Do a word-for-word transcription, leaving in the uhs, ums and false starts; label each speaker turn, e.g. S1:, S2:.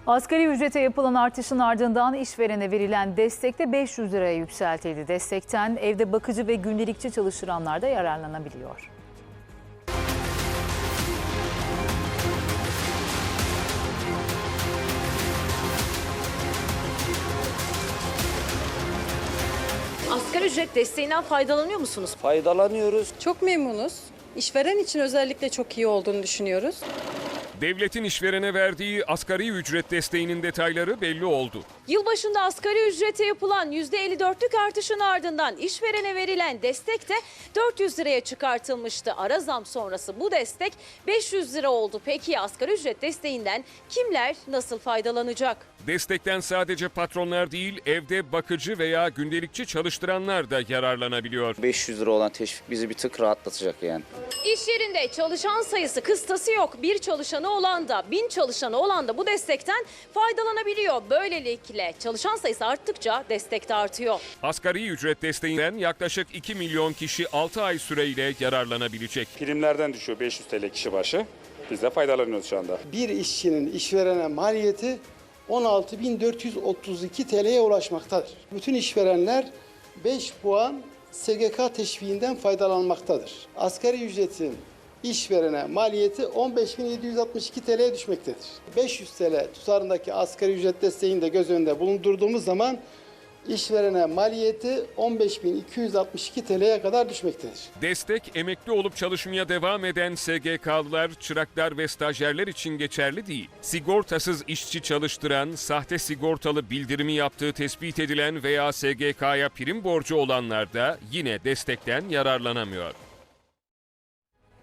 S1: Asgari ücrete yapılan artışın ardından işverene verilen destek de beş yüz liraya yükseltildi. Destekten evde bakıcı ve gündelikçi çalıştıranlar da yararlanabiliyor.
S2: Asgari ücret desteğinden faydalanıyor musunuz?
S3: Faydalanıyoruz.
S4: Çok memnunuz. İşveren için özellikle çok iyi olduğunu düşünüyoruz.
S5: Devletin işverene verdiği asgari ücret desteğinin detayları belli oldu.
S2: Yılbaşında asgari ücrete yapılan yüzde elli dörtlük artışın ardından işverene verilen destek de dört yüz liraya çıkartılmıştı. Ara zam sonrası bu destek beş yüz lira oldu. Peki asgari ücret desteğinden kimler nasıl faydalanacak?
S5: Destekten sadece patronlar değil, evde bakıcı veya gündelikçi çalıştıranlar da yararlanabiliyor.
S3: beş yüz lira olan teşvik bizi bir tık rahatlatacak yani.
S2: İş yerinde çalışan sayısı kıstası yok. Bir çalışanı olan da bin çalışanı olan da bu destekten faydalanabiliyor. Böylelikle çalışan sayısı arttıkça destek de artıyor.
S5: Asgari ücret desteğinden yaklaşık iki milyon kişi altı ay süreyle yararlanabilecek.
S6: Primlerden düşüyor beş yüz TL kişi başı. Biz de faydalanıyoruz şu anda.
S7: Bir işçinin işverene maliyeti on altı bin dört yüz otuz iki T L'ye ulaşmaktadır. Bütün işverenler beş puan S G K teşviğinden faydalanmaktadır. Asgari ücretin işverene maliyeti on beş bin yedi yüz altmış iki T L'ye düşmektedir. beş yüz T L tutarındaki asgari ücret desteğini de göz önünde bulundurduğumuz zaman işverene maliyeti on beş bin iki yüz altmış iki T L'ye kadar düşmektedir.
S5: Destek emekli olup çalışmaya devam eden S G K'lılar, çıraklar ve stajyerler için geçerli değil. Sigortasız işçi çalıştıran, sahte sigortalı bildirimi yaptığı tespit edilen veya S G K'ya prim borcu olanlar da yine destekten yararlanamıyor.